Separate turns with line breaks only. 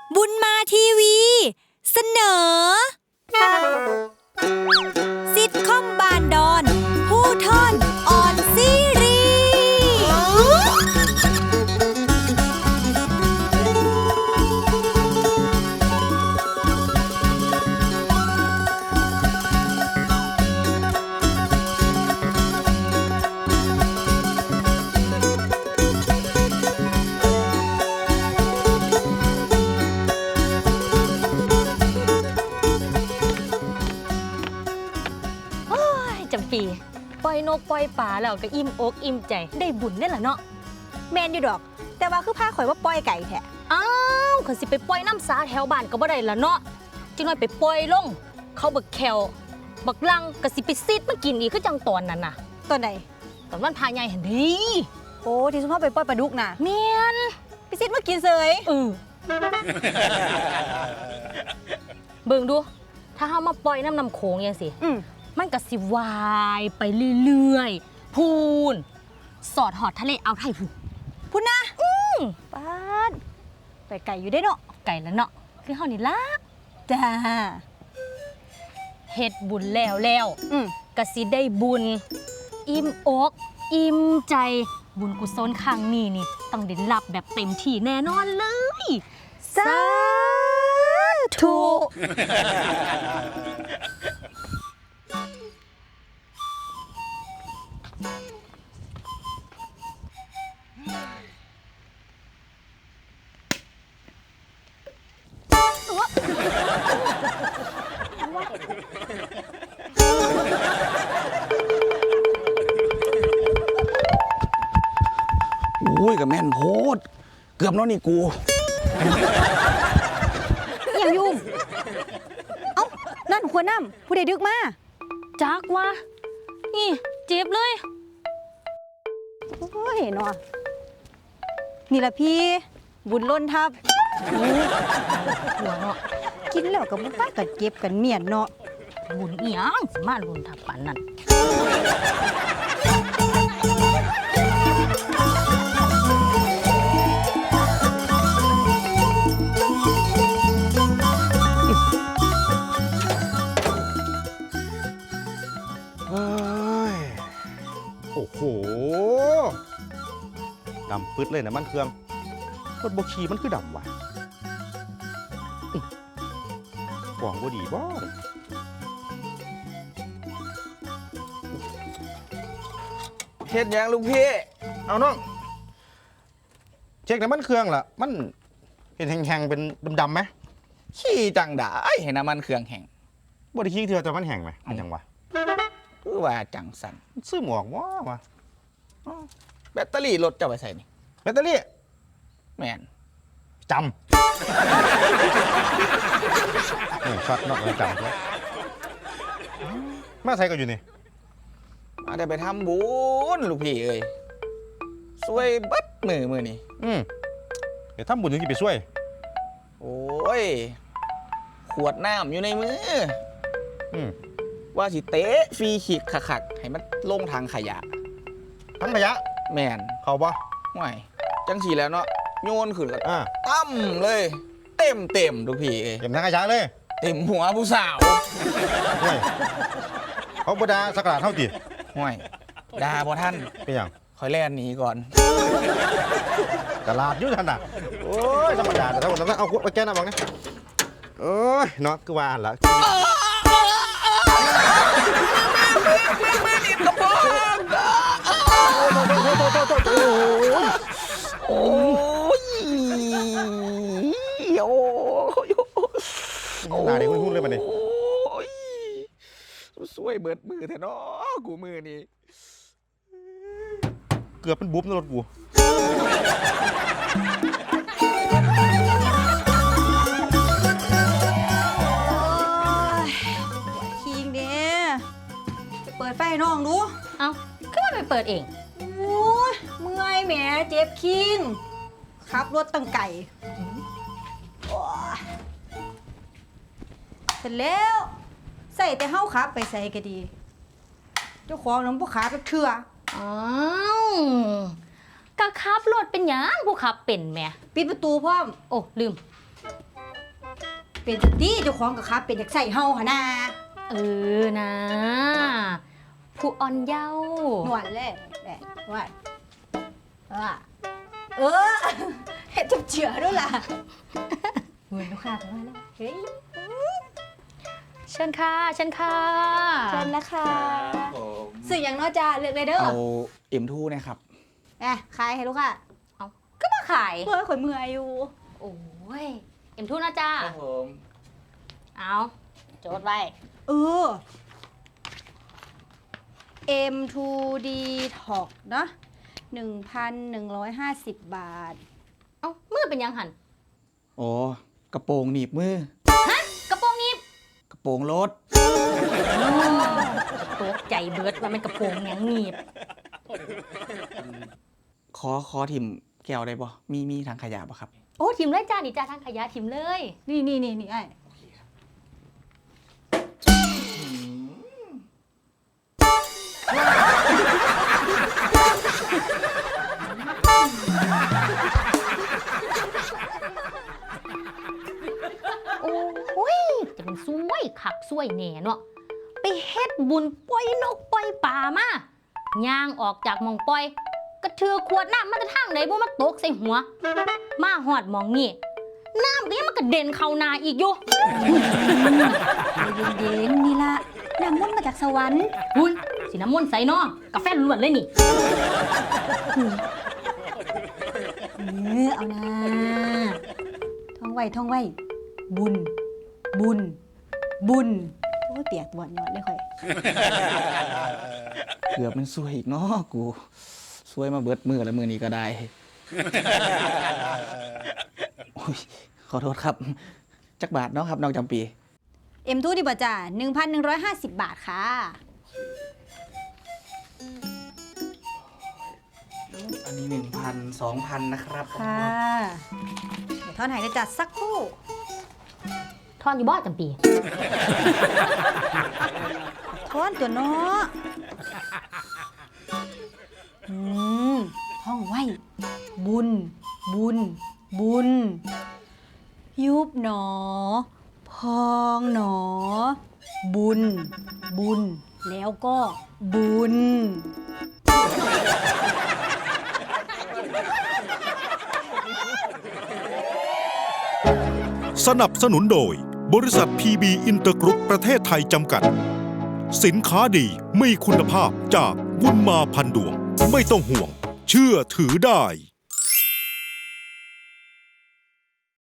บุญมาทีวีเสนอซิทคอมบานดอนผู้ทอนออนซีรี
จำปีปล่อยนกปล่อยป่าแล้วก็อิ่มอกอิ่มใจได้บุญนี่แหละเนาะ
แมนอยู่ดอกแต่ว่าคือพาข่อยว่าปล่อยไก่แท้
อ้าวเขาสิไปปล่อยน้ำสาแถวบ้านก็บ่ได้ละเนาะจังน้อยไปปล่อยลงเขาบักแควบักลังก็สิไปซีดมากินอีกคือจังตอนนั้นน่ะ
ตอนไหน
ตอนวันพาใหญ่หั่นดิ
โอ้ที่ซุมเฮาไปปล่อยปลาดุกน่ะ
แม่น
ไปซิดมากินเสย
เบิ่งดูถ้าเฮามาปล่อยน้ำโขงจังซี่มันก็สิวายไปเรื่อยๆพูนสอดหอดทะเลอ่าวไทย
พูนนะป้าดไปไก่อยู่ได้เนาะ
ไก่แล้วเนาะคือเฮานี่ล่ะ
จ้า
เฮ็ดบุญแล้วก็สิได้บุญอิ่มอกอิ่มใจบุญกุศลครั้งนี้นี่ต้องได้รับแบบเต็มที่แน่นอนเลย
สาธุ
อุ้ยกับแม่นโพดเกือบนอนนี่กู
อย่างยุ่งเอ้านั่นหัวน้ำผู้ใดดึกมา
จักวะนี่เจ็บเลย
โอ้ยเนาะนี่แหละพี่บุญล้นทับ
หัวเนาะ
กินแล้วกับบุญป้ากัดเจ็บกันเมียนเนาะ
บุญอีหยังสิมาล้นทับปานนั้น
โอ้โหดำปึ๊ดเลยนะมันเครื่องรถบขี่มันคือดำว่ะกล่องบ่ดีบ่
เฮ็ดยังลูกพี่
เอาน้องเช็คน้ำมันเครื่องล่ะมันเห็นแห้งๆเป็นดำๆไหม
ขี้จังด่าเห็นน้ำมันเครื่องแห้ง
บ่ได้ขี้เถื่อแต่มันแห้งไหมมันยังวะ
คือว่าจังสัน
ซื้อหมวกวะ
แบตเตอรี่รถจะไปใส่นี่
แบตเตอรี่
แมน
จำช็อตนอกเลยจำแล้วมาใส่ก็อยู่นี่
มาได้ไปทำบุญลูกพี่เอ้ยช่วยบัดมือนี่
เดี๋ยวทำบุญยังจะไปช่วย
โอ้ยขวดน้ำอยู่ในมือว่าสิเตะฟรีขีดขักให้มันลงทางขยะ
ทั้งขยะ
แมน
เขาปะ
ไม่จังสีแล้วเนาะโยนขึ้นแล้วตั้มเลยเต็มทุกพี่
เต็มทั้งขยะเลย
เต็มหัวผู้สาว
ห่วยเขาบดาสักการะเท่าตี
ห่วยดาพอท่าน
เป็นอย่าง
คอยแล่นหนีก่อน
ตลาดยุ่งขนาดโอ้ยธรรมดาแต่ถ้าผมต้องเอาไปแก้หน้าบังนะโอ้ยเนาะคือว่าละ
โอ้ย
หนาเด็กไม่พูดเลยมันนี่
สวยเบิดมือแท้เนาะกูมือนี่
เกือบเป็นบุ๊บในรถกู
คิงเด้เปิดไฟน้องดู
เอ้าขึ้นมาไปเปิดเอง
โอ้ยเมื่อยแหมเจ็บคิงขับรถตั้งไก่เสร็จแล้วใส่แต่เฮาขับไปใส่ก็ดีเจ้าของน้ำผู้ขาไปเถื่อ
อ้าวก็ขับรถเป็นหยังผู้ขับเป็นแม่
ปิดประตูพร้อม
โอ้ลืม
เป็นจังตี้เจ้าของกับครับเป็นอยากใส่เฮาหนนา
เออนะผู้อ่อนเยาว์
หนวดเลยแหละว่าเออเฮ็ดจับเจือด้วยล่ะเงินลูกค้าเข้ามาแล้วเฮ้ย
เชิญค่ะเชิญค่ะ
เชิญนะคะสื่ออย่างน้อยจ้าเลือกเลยเด้อ
เอาM2 นะครับ
ขายให้ลูกค้า
เอาก็มาขาย
เพื่อข่อยเมื่อยอยู่
โอ้ยเอ็มทูนะจ้า
ครับผม
เอาโจทย์ไว้
เออ M2D Talk เนาะ 1,150 บาท
เอามือเป็นยังหัน
โอ้กระโปรงหนีบมือ
กระโปรงนี้
กระโปรงรถ
ตกใจเบิดว่ามันกระโปรงหยังหนีบ
ขอถิ่มแก้วได้บ่มีทางขยะบ่ครับ
โอ้ทิมเลยจ้านี่จ้าทางขยะทิมเลย
นี่ไอ้
โอ้ยจะเป็นซวยขักซวยแหน่เนาะไปเฮ็ดบุญปล่อยนกปล่อยป่ามาย่างออกจากหมองปล่อยกระเทือขวดน้ำมาจะทางไหนบ่มาตกใส่หัว มาหอดหมองนี่น้ำก็ยังมันกระเด็นเข้าหนาอีกอยู่
เย็นๆนี่ละน้ำมันต์มาจากสวรรค์
หุ้ยสีน้ำมนต์ใส่เนาะกาแฟล้วนเลยนี่
เอานะท่องไว้ บุญ โอ้เตียกบวดนอนเลยค่อย
เกือบมันซวยอีกเนาะกูซวยมาเบิดมือแล้วมือนี้ก็ได้ โอ้ยขอโทษครับ จักบาทเนาะครับน้องจำปี
M2 ดีบ่จ้า 1,150 บาทค่ะ
อันนี้ 1,000 2,000 นะครับ
ค่ะ เดี๋ยวทอนหายจะจัดสักครู่
ทอนอยู่บ่จำปี
ทอนตัวเนาะท่องไว้ บุญ ยุบหนอ พองหนอ บุญ แล้วก็บุญ
สนับสนุนโดยบริษัท PB อินเตอร์กรุ๊ปประเทศไทยจำกัด สินค้าดีมีคุณภาพจากบุญมาพันดวง ไม่ต้องห่วง เชื่อถือได้